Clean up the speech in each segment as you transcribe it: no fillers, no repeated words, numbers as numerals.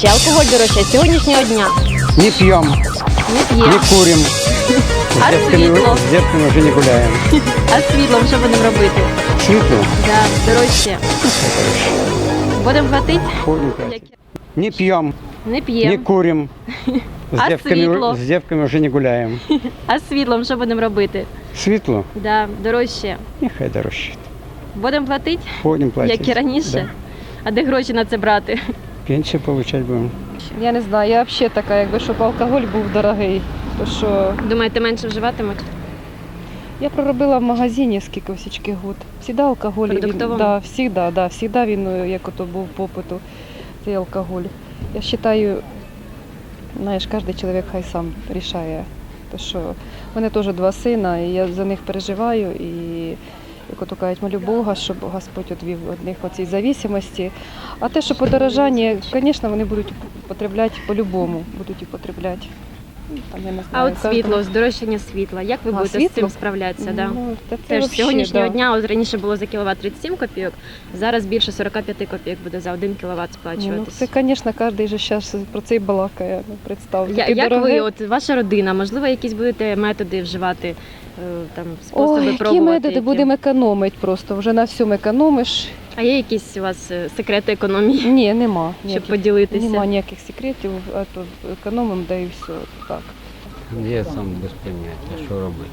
дорожче, алкоголь дорожче з сьогоднішнього дня? Не пьем, Не не п'ємо. курим. А світло? С девками уже не гуляем. А з світлом що будемо робити? Светло? Да, дорожче. Будемо платити? Ходим платим. Не пьем, Не не п'ємо. курим. А світло? С девками уже не гуляем. А з світлом що будемо робити? Светло? Да, дорожче. Нехай дорожче. Будемо платити, Ходим платим. як і раніше? Да. А де гроші на це брати? Пенсию получать будем. Я не знаю, я взагалі така, якби щоб алкоголь був дорогий. То що Думаєте, менше вживатимуть? я проробила в магазині скільки всічки год. Всігда алкоголь. Продуктовому? Всігда він, як ото був попиту, цей алкоголь. Я вважаю, знаєш, кожен чоловік хай сам рішає. То що в мене теж 2 сина, і я за них переживаю. І як ото кажуть, молю Бога, щоб Господь відвів від них оцій зависимості. А те, що подорожання, звісно, вони будуть потребляти по-любому, будуть і потребляти. Там, я не А знаю, от світло, здорожчання світла. Як ви А, будете з світло? цим справлятися? Да? Ну, та це Теж з вообще, сьогоднішнього да. дня, от раніше було за кіловат 37 копійок, зараз більше 45 копійок буде за 1 кіловат Ні, сплачуватись. це, звісно, кожен же зараз про це і балакає, ну, представте. Як ви, от ваша родина, можливо, якісь будете методи вживати, там, способи Ой, які пробувати? методи будемо економити просто, вже на всьому економиш. А є якісь у вас секрети економії, Ні, нема. щоб ніяких- поділитися? Нема ніяких секретів, а то економимо, да і все, так. Я сам без поняття, що робити.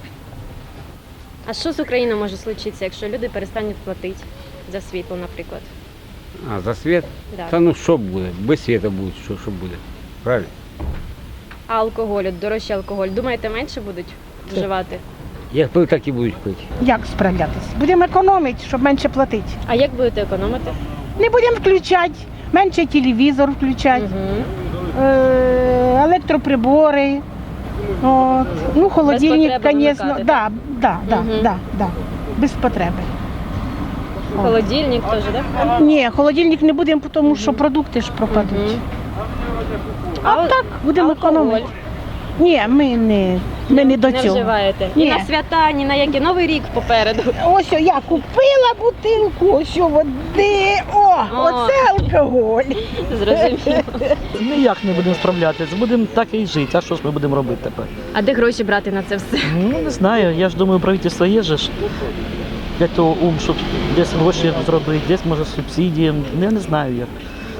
А що з Україною може случитися, якщо люди перестануть платити за світло, наприклад? А за світ? Да. Та ну що буде? Без світу буде, що буде. Правильно? А алкоголь, от дорожчий алкоголь, думаєте, менше будуть вживати? Як пили, так і будуть пити. Як справлятися? Будемо економити, щоб менше платити. А як будете економити? Не будемо включати, менше телевізор включати, Угу. електроприбори. От. Ну, холодильник, потреби звісно, вимикати, да, без потреби. Холодильник теж, так? Ні, холодильник не будемо, тому що продукти ж пропадуть. Мгм. А так, будемо алкоголь? економити. Ні, ми не до Не цього. вживаєте? Ні Ні. на свята, ні на який Новий рік попереду. Ось я купила бутилку, ось води, оце алкоголь. Зрозуміло. Ніяк не будемо справлятися, будемо так і жити. А що ж ми будемо робити тепер? А де гроші брати на це все? Ну, не знаю, я ж думаю, правительство є же ж для того щоб десь гроші зробити, десь може субсидії. Я не знаю як.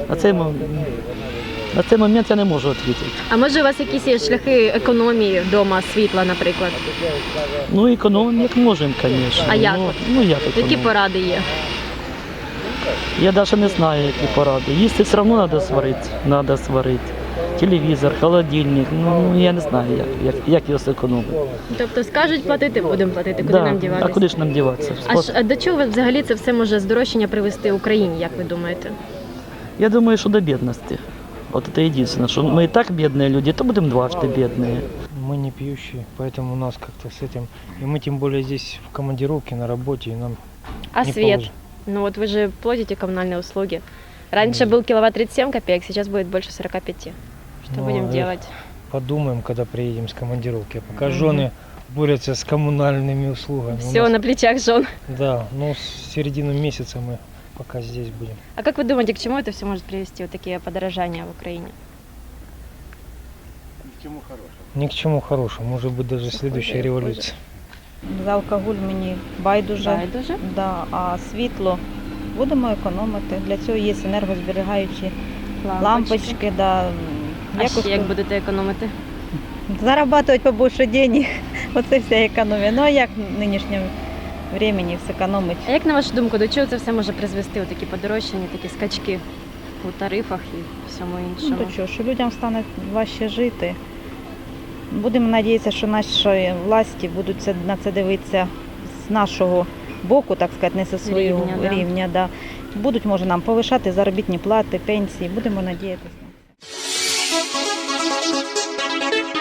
На цей момент я не можу відповідати. А може у вас якісь є шляхи економії вдома, світла, наприклад? Ну, економимо як можемо, звісно. А як? Ну як Які економимо? поради є? Я навіть не знаю, які поради. Їсти все одно треба сварити. Телевізор, холодильник, ну я не знаю, як його зекономити. Тобто скажуть платити, будемо платити, куди нам А діватися? куди ж нам діватися? А до чого взагалі це все може здорожчання привести Україні, як ви думаєте? Я думаю, что до бедности. Вот это единственное, что мы и так бедные люди, то будем дважды бедные. Мы не пьющие, поэтому у нас как-то с этим... И мы тем более здесь в командировке, на работе, и нам А не свет? положено. Ну вот вы же платите коммунальные услуги. Раньше был киловатт 37 копеек, сейчас будет больше 45. Что Ну, будем делать? Подумаем, когда приедем с командировки. А пока жены борются с коммунальными услугами. У Все нас- на плечах жен. Да, ну с середины месяца мы пока здесь будем. А как вы думаете, к чему это все может привести, вот такие подорожания в Украине? Ни к чему хорошему, может быть даже следующая революция. За алкоголь мені байдуже, Байдуже? да, а світло будемо економити. Для цього є енергозберігаючі лампочки. Да. А ще як будете економити? Зарабатувати побільше денег. Оце вся економія. Ну а як в нинішньому времени все економить? А як на вашу думку, до чого це все може призвести, такі подорожчання, такі скачки у тарифах і всьому Ну, іншому? то що людям стане важче жити. Будемо сподіватися, що наші власті будуть на це дивитися з нашого боку, так сказати, не зі свого Рівня, да. рівня. Да. Будуть, може, нам повишати заробітні плати, пенсії. Будемо сподіватися.